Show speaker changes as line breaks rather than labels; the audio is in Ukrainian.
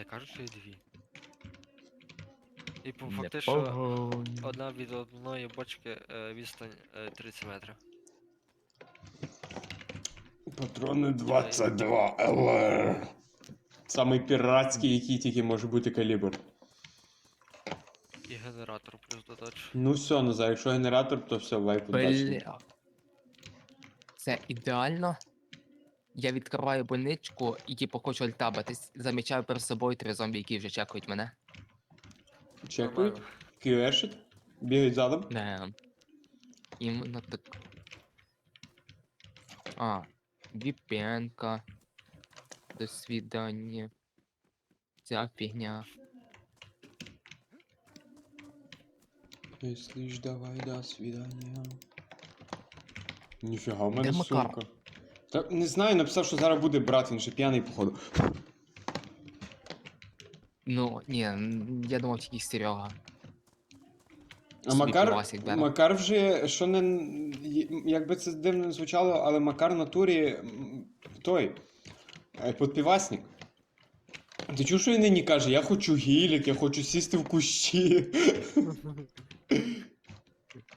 Та кажуть, що є дві. І
Не
фактично
погонь.
одна від одної бочки відстань 30 метрів.
Патрони 22 ЛР. Самий піратський, який тільки може бути калібр.
І генератор плюс додач.
Ну все, Назар, якщо генератор, то все, вайп удачний.
Бля. Це ідеально. Я відкриваю больничку і типу хочу альтабатись. Замічаю перед собою 3 зомбі, які вже чекають мене.
Чекають,
Нормально.
QE-шить, бігають задом.
Не. Іменно так. А, VPN-ка. До свидання. Ця фігня.
Если ж давай, до свидания. Ніфіга, в мене
Де Макар?
сумка. Та не знаю, написав, що зараз буде брат, він ще п'яний, походу.
Ну, ні, я думав тільки Серега.
А
Собі
Макар,
пивасик бере.
Макар вже, що не, якби це дивно не звучало, але Макар в натурі той, подпівасник. Ти чув, що він нині каже, я хочу гілік, я хочу сісти в кущі.